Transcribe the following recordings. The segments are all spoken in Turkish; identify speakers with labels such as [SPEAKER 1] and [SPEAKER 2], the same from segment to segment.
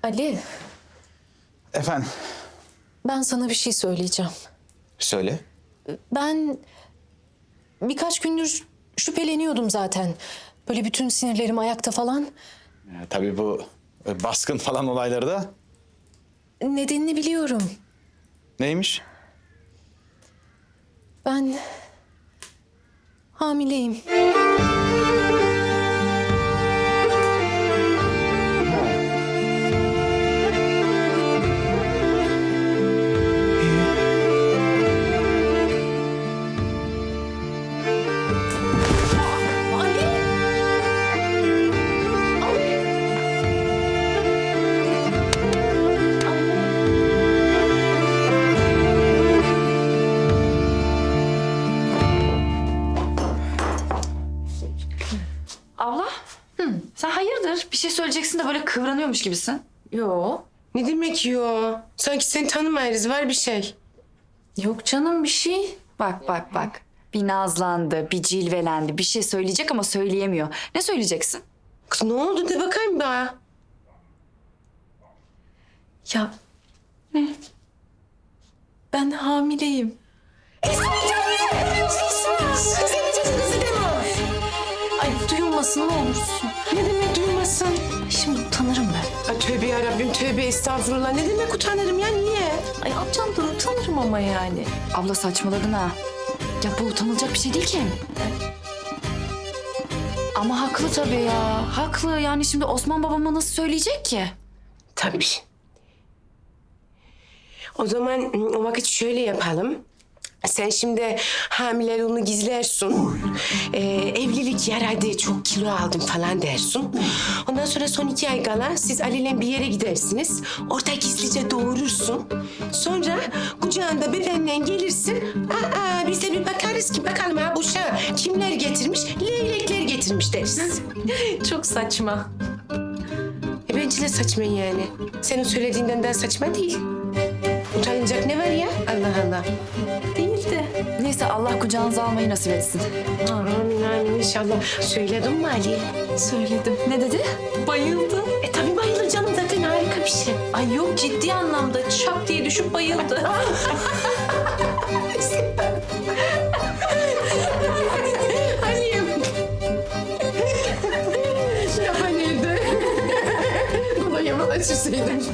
[SPEAKER 1] Ali,
[SPEAKER 2] Efendim,
[SPEAKER 1] ben sana bir şey söyleyeceğim.
[SPEAKER 2] söyle.
[SPEAKER 1] Ben birkaç gündür şüpheleniyordum zaten. Böyle bütün sinirlerim ayakta falan.
[SPEAKER 2] Tabii bu baskın falan olayları da
[SPEAKER 1] Nedenini biliyorum.
[SPEAKER 2] neymiş?
[SPEAKER 1] Ben hamileyim. Ali!
[SPEAKER 3] Abla, sen hayırdır? Bir şey söyleyeceksin de böyle kıvranıyormuş gibisin.
[SPEAKER 1] Yo.
[SPEAKER 4] Ne demek yo? Sanki seni tanımayız, var bir şey.
[SPEAKER 1] Yok canım bir şey.
[SPEAKER 3] Bak. Bir nazlandı, bir cilvelendi, bir şey söyleyecek ama söyleyemiyor. Ne söyleyeceksin?
[SPEAKER 4] Kız ne oldu de bakayım bana.
[SPEAKER 1] Ya. Ne? Ben hamileyim. Ay duyulmasın ne olursun.
[SPEAKER 4] Ne demek duymasın?
[SPEAKER 1] Ay, şimdi utanırım ben.
[SPEAKER 4] Ay tövbe yarabbim tövbe estağfurullah. Ne demek utanırım ya niye?
[SPEAKER 1] Ay amcamdan utanırım ama yani.
[SPEAKER 3] Abla saçmaladın ha. Ya bu utanılacak bir şey değil ki. Ama haklı tabii ya. Haklı. Yani şimdi Osman babama nasıl söyleyecek ki?
[SPEAKER 4] Tabii. O zaman o vakit şöyle yapalım. Sen şimdi hamileliğini gizlersin. Evlilik yaradı, çok kilo aldım falan dersin. Ondan sonra son 2 ay kala siz Ali'yle bir yere gidersiniz. Orada gizlice doğurursun. Sonra kucağında bebenle gelirsin. Biz de bir bakarız ki bakalım ha bu uşağı kimler getirmiş? Leylekler getirmiş deriz.
[SPEAKER 1] Çok saçma.
[SPEAKER 4] Bence de saçma yani. Senin söylediğinden daha saçma değil. Utanacak ne var ya? Allah Allah.
[SPEAKER 1] Değil de.
[SPEAKER 3] Neyse Allah kucağınıza almayı nasip etsin.
[SPEAKER 4] Amin amin inşallah. Söyledin mi Ali?
[SPEAKER 1] Söyledim.
[SPEAKER 3] Ne dedi?
[SPEAKER 1] Bayıldı.
[SPEAKER 4] Tabii bayılır canım zaten harika bir şey.
[SPEAKER 1] Ay yok ciddi anlamda şak diye düşüp bayıldı.
[SPEAKER 4] Ali'yim. Lafa nerede? Bana yaman açırsaydım.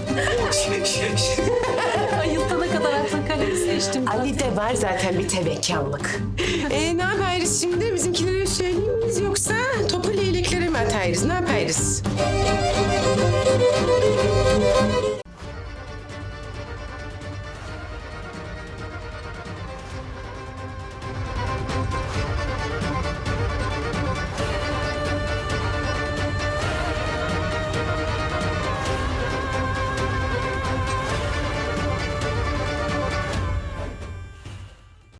[SPEAKER 1] Bayıltana kadar aklın kalemi seçtim.
[SPEAKER 4] Ali de var zaten bir tevekkallık. Ne yaparız şimdi? Bizimkilere söyleyeyim miyiz yoksa topu leyleklere mi atarız? Ne yaparız?